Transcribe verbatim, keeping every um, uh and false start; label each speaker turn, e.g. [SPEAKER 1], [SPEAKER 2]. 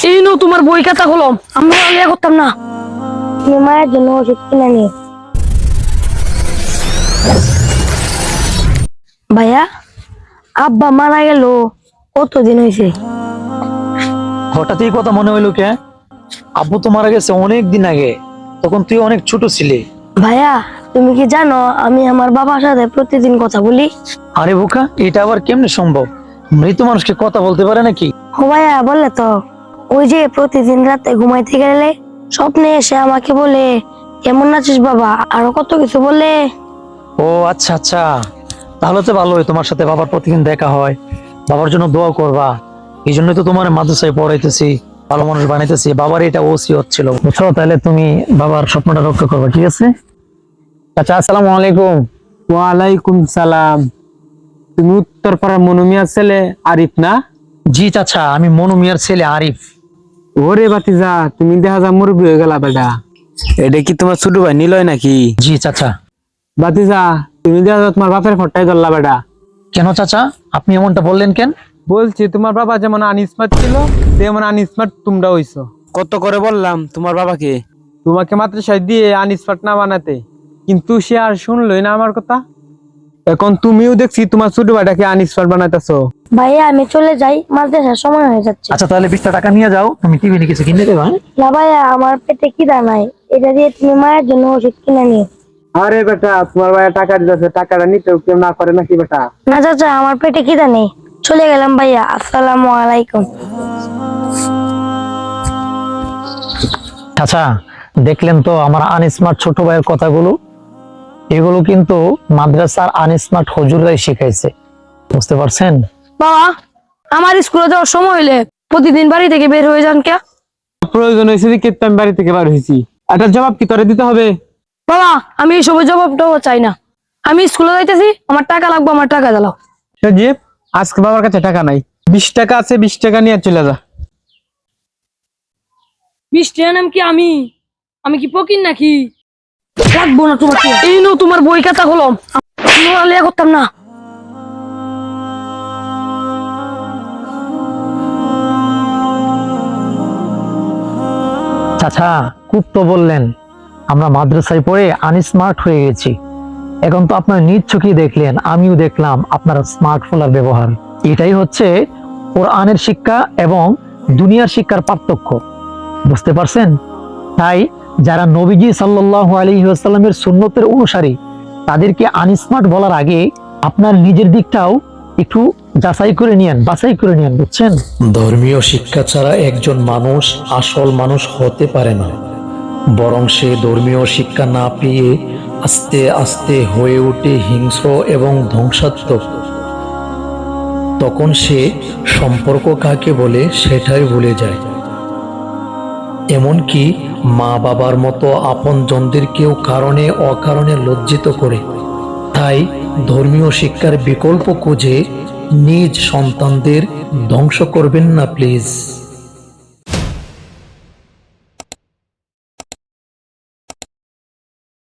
[SPEAKER 1] এই নো তোমার বই খাতা কলম, আমরা লিয়া করতাম না।
[SPEAKER 2] তুমি মায়ের জন্য ওষুধ কিনে নিও। ভাইয়া, আব্বা মারা গেল কতদিন হয়েছে?
[SPEAKER 3] হঠাৎ এই কথা মনে হইলো কে? আব্বু তো মারা গেছে অনেক দিন আগে, তখন তুই অনেক ছোট ছিলি।
[SPEAKER 2] ভাইয়া, তুমি কি জানো আমি আমার বাবার সাথে প্রতিদিন কথা বলি?
[SPEAKER 3] আরে বোকা, এটা আবার কেমনে সম্ভব? মৃত মানুষকে কথা বলতে পারে নাকি?
[SPEAKER 2] ও ভাইয়া বলে তো, ওই যে প্রতিদিন রাতে ঘুমাইতে গেলে স্বপ্নে এসে আমাকে বলে কেমন আছিস বাবা, আরো কত কিছু বলে।
[SPEAKER 3] ও আচ্ছা আচ্ছা, তাহলে তো ভালোই, তোমার সাথে বাবার প্রতিদিন দেখা হয়, বাবার জন্য দোয়া করবা। এই জন্যই তো তোমার মাদ্রাসায় পড়াইতেছি, ভালো মানুষ বানাইতেছি। বাবার এটা ওসিয়ত ছিল, বুঝছো? তাহলে তুমি বাবার স্বপ্নটা রক্ষা করবে, ঠিক আছে? আচ্ছা, আসসালামু আলাইকুম।
[SPEAKER 4] ওয়ালাইকুম সালাম। তুমি উত্তরপাড়ার মনু মিয়ার ছেলে আরিফ না?
[SPEAKER 3] জি চাচা, আমি মনু মিয়ার ছেলে আরিফ।
[SPEAKER 4] ওরে বাতিজা, তুমি দেখা যা মুরব্বী হয়ে গেলা বেটা। এটা কি তোমার ছোট ভাই নিলয় নাকি?
[SPEAKER 3] জি চাচা।
[SPEAKER 4] বাতিজা, তুমি দেখা যা তোমার বাপের ফটাই ধরলা বেটা।
[SPEAKER 3] কেন চাচা, আপনি এমনটা বললেন কেন?
[SPEAKER 4] বলছি তোমার বাবা যেমন আনস্মার্ট ছিল তেমন আনস্মার্ট তোমরা হইছো। কত করে বললাম তোমার বাবাকে তোমাকে মাদ্রাসায় দিয়ে আনস্মার্ট না বানাতে, কিন্তু সে আর শুনলই না আমার কথা। এখন তুমিও দেখছি তোমার ছোট ভাইটাকে আনস্মার্ট বানাইতেছো।
[SPEAKER 2] ভাইয়া আমি চলে যাই, মাদ্রাসার সময় হয়ে যাচ্ছে।
[SPEAKER 3] আচ্ছা, তাহলে বিশটা টাকা নিয়ে যাও, তুমি টিভি কিছু কিনে দেবা। হ্যাঁ?
[SPEAKER 2] না ভাইয়া, আমার পেটে খিদা নাই, এটা দিয়ে তুমি মায়ের জন্য ওষুধ কিনে নিও।
[SPEAKER 4] আরে বেটা, তোমার ভাইয়া টাকা দিতেছে, টাকাটা নিতেও কেউ না করে নাকি বেটা?
[SPEAKER 2] না চাচা, আমার পেটে খিদা নেই, চলে গেলাম ভাইয়া, আসসালামু আলাইকুম।
[SPEAKER 3] আচ্ছা, দেখলেন তো আমার আনস্মার্ট ছোট ভাইয়ের কথাগুলো? এগুলো কিন্তু মাদ্রাসার আনস্মার্ট হুজুররাই শিখাইছে, বুঝতে পারছেন?
[SPEAKER 1] বাবা, আমার স্কুলে যাওয়ার সময় হইলে প্রতিদিন বাড়ি থেকে বের হয়ে যান কে?
[SPEAKER 4] প্রয়োজন হয়েছে দেখে তো আমি বাড়ি থেকে বার হয়েছি। একটা জবাব কি তোরে দিতে হবে?
[SPEAKER 1] বাবা, আমি এই সব জবাবটাও চাই না। আমি স্কুলে যাইতেছি, আমার টাকা লাগবে, আমার টাকা দিলাও।
[SPEAKER 4] সজীব, আজকে বাবার কাছে টাকা নাই, বিশ টাকা আছে, বিশ টাকা নিয়ে চলে যা।
[SPEAKER 1] বিশ টাকা নাম কি আমি আমি কি পকিন নাকি? লাগবো না তোমার টাকা। এই নো তোমার বই খাতা কলম, আমরা লিয়া করতাম না।
[SPEAKER 3] চাচা, খুব তো বললেন আমরা মাদ্রাসায় পড়ে আনস্মার্ট হয়ে গেছি। এখন তো আপনার নিজ চোখে দেখলেন, আমিও দেখলাম আপনার স্মার্টফোনের ব্যবহার। এটাই হচ্ছে কোরআনের শিক্ষা এবং দুনিয়ার শিক্ষার পার্থক্য, বুঝতে পারছেন? তাই যারা নবীজি সাল্লাল্লাহু আলাইহি ওয়াসাল্লামের সুন্নতের অনুসারী, তাদেরকে আনস্মার্ট বলার আগে আপনার নিজের দিকটাও একটু যাচাই করে নিয়েন, বাছাই করে নিয়েন, বুঝছেন? ধর্মীয় শিক্ষা ছাড়া একজন মানুষ আসল মানুষ হতে পারে না, বরং সে ধর্মীয় শিক্ষা না পেয়ে আস্তে আস্তে হয়ে ওঠে হিংস্র এবং ধ্বংসাত্মক। তখন সে সম্পর্ক কাকে বলে সেটাই ভুলে যায়, এমনকি মা বাবার মতো আপনজনদেরকেও কারণে অকারণে লজ্জিত করে। তাই ধর্মীয় শিক্ষার বিকল্প খুঁজে নিজ সন্তানদের ধ্বংস করবেন না প্লিজ।